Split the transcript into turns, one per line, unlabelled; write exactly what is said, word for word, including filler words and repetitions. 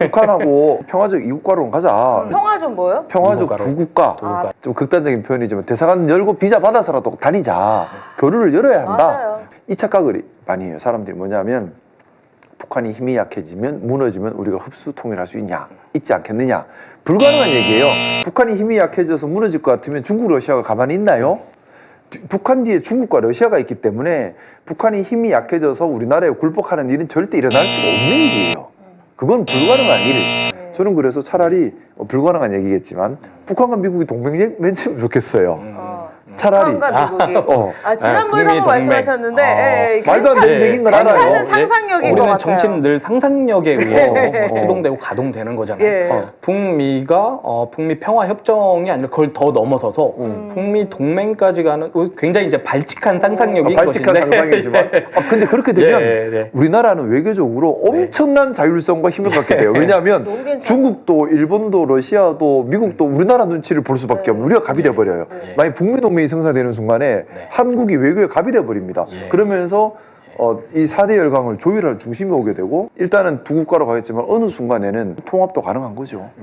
북한하고 평화적 이국가로 가자.
평화 좀 뭐요?
평화적
이국가로.
두 국가.
두 국가.
좀 극단적인 표현이지만 대사관 열고 비자 받아서라도 다니자. 교류를 열어야 한다.
맞아요.
이 착각을 많이 해요. 사람들이 뭐냐면 북한이 힘이 약해지면 무너지면 우리가 흡수 통일할 수 있냐, 있지 않겠느냐. 불가능한 얘기예요. 북한이 힘이 약해져서 무너질 것 같으면 중국, 러시아가 가만히 있나요? 북한 뒤에 중국과 러시아가 있기 때문에 북한이 힘이 약해져서 우리나라에 굴복하는 일은 절대 일어날 수가 없는 일이에요. 그건 불가능한 일. 저는 그래서 차라리 어, 불가능한 얘기겠지만 북한과 미국이 동맹 맺으면 좋겠어요.
어.
차라리.
북한과 미국이.
어.
아, 지난번에도
북미
한번
동맹.
말씀하셨는데
어.
예, 예,
말도 안 되는
괜찮-
얘기인 건
괜찮은
알아요.
상상력인 것
우리는
같아요.
정치는 늘 상상력에 의해서
어, 어.
추동되고 가동되는 거잖아요.
예.
어.
북미가 어, 북미 평화 협정이 아니라 그걸 더 넘어서서
음.
북미 동맹까지 가는 어, 굉장히 이제 발칙한 상상력인
아, 발칙한
것인데.
상상이지만 아, 근데 그렇게 되면
예, 예.
우리나라는 외교적으로 엄청난 자율성과 힘을 갖게 돼요. 왜냐하면
너무 괜찮아요.
중국도 일본도 러시아도 미국도 우리나라 눈치를 볼 수밖에
네.
없는 우리가 갑이 돼버려요.
네.
만약 북미 동맹이 성사되는 순간에 한국이 외교에 갑이 돼버립니다.
예.
그러면서 어, 이 사 대 열강을 조율하는 중심이 오게 되고 일단은 두 국가로 가겠지만 어느 순간에는 통합도 가능한 거죠.